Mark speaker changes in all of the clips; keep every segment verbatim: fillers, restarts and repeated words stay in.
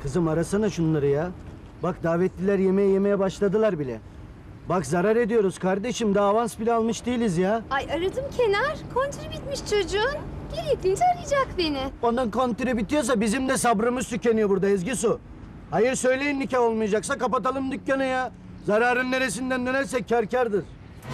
Speaker 1: Kızım arasana şunları ya. Bak davetliler yemeğe yemeye başladılar bile. Bak zarar ediyoruz kardeşim. Daha avans bile almış değiliz ya.
Speaker 2: Ay aradım Kenar. Kontürü bitmiş çocuğun. Gerektiğince arayacak beni.
Speaker 1: Onun kontürü bitiyorsa bizim de sabrımız tükeniyor burada Ezgi Su. Hayır söyleyin nikah olmayacaksa kapatalım dükkanı ya. Zararın neresinden dönersek kâr kârdır.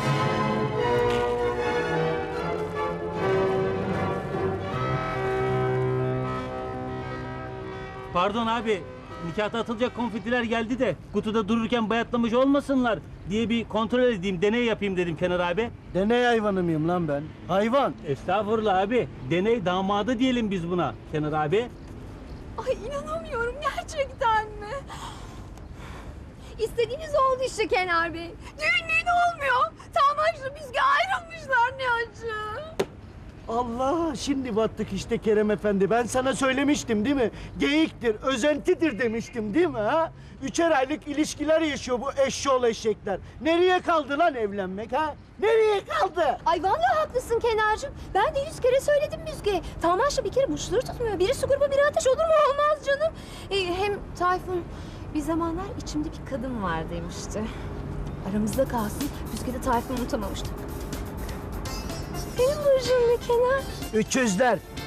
Speaker 3: Pardon abi, nikahta atılacak konfetiler geldi de kutuda dururken bayatlamış olmasınlar diye bir kontrol edeyim, deney yapayım dedim Kenar abi.
Speaker 1: Deney hayvanı mıyım lan ben? Hayvan.
Speaker 3: Estağfurullah abi, deney damadı diyelim biz buna Kenar abi.
Speaker 2: Ay inanamıyorum gerçekten mi? İstediğiniz oldu işte Kenar Bey. Düğün düğün olmuyor. Tamaşla Müzge ayrılmışlar ne acı.
Speaker 1: Allah şimdi battık işte Kerem Efendi. Ben sana söylemiştim değil mi? Geyiktir, özentidir demiştim değil mi ha? Üçer aylık ilişkiler yaşıyor bu eşşoğlu eşekler. Nereye kaldı lan evlenmek ha? Nereye kaldı?
Speaker 2: Ay vallahi haklısın Kenarcığım. Ben de yüz kere söyledim Müzge'ye. Tamaşla bir kere burçları tutmuyor. Biri su grubu biri ateş olur mu? Olmaz canım. Ee, hem Tayfun bir zamanlar içimde bir kadın var demişti. Aramızda kalsın. Müzge de Tayfun'u unutamamıştı. Benim burcum ne Kenar?
Speaker 1: Üçüzler.